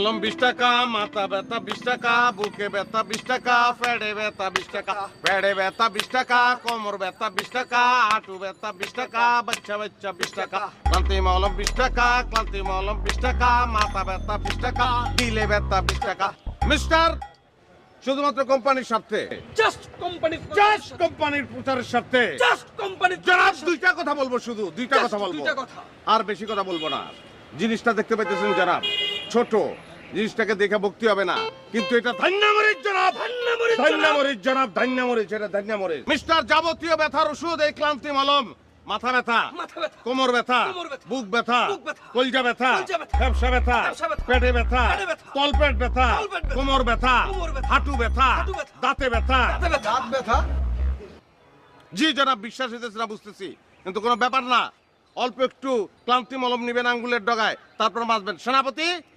মলম 20 টাকা, মাথা ব্যথা 20 টাকা, বুকে ব্যথা 20 টাকা, পেটে ব্যথা 20 টাকা, পেটে ব্যথা 20 টাকা, কোমর ব্যথা 20 টাকা, হাঁটু ব্যথা 20 টাকা, বাচ্চা 20 টাকা। ক্লান্তি মলম 20 টাকা, ক্লান্তি মলম 20 টাকা, মাথা ব্যথা 20 টাকা, দিলে ব্যথা 20 টাকা। মিস্টার, শুধুমাত্র কোম্পানির স্বার্থে, জাস্ট কোম্পানি, জাস্ট কোম্পানির প্রচারের স্বার্থে জাস্ট কোম্পানি। জনাব দুইটা কথা বলবো, শুধু দুইটা কথা বলবো, দুইটা কথা। আর বেশি কথা বলবো না। জিনিসটা দেখতে পাইতেছেন জনাব, ছোট জিনিসটাকে দেখে ভক্তি হবে না, কিন্তু এটা ধান্যামরিচ জনাব, ধান্যামরিচ জনাব, ধান্যামরিচ, এটা ধান্যামরিচ। মিস্টার, যাবতীয় ব্যথার ওষুধ এই ক্লান্তি মলম। মাথা ব্যথা, মাথা ব্যথা, কোমর ব্যথা, কোমর ব্যথা, বুক ব্যথা, বুক ব্যথা, কলজা ব্যথা, কলজা ব্যথা, ব্যবসা ব্যথা, ব্যবসা ব্যথা, পেটে ব্যথা, পেটে ব্যথা, তলপেট ব্যথা, তলপেট ব্যথা, কোমর ব্যথা, কোমর ব্যথা, হাঁটু ব্যথা, হাঁটু ব্যথা, দাঁতে ব্যথা। দাঁতে ব্যথা, দাঁত ব্যথা। জি জনাব, বিশ্বাস হইতেছে না বুঝতেছি, কিন্তু কোনো ব্যাপার না। অল্প একটু ক্লান্তি মলম নিবেন আঙ্গুলের ডগায়, তারপর বাঁচবেন। সেনাপতি,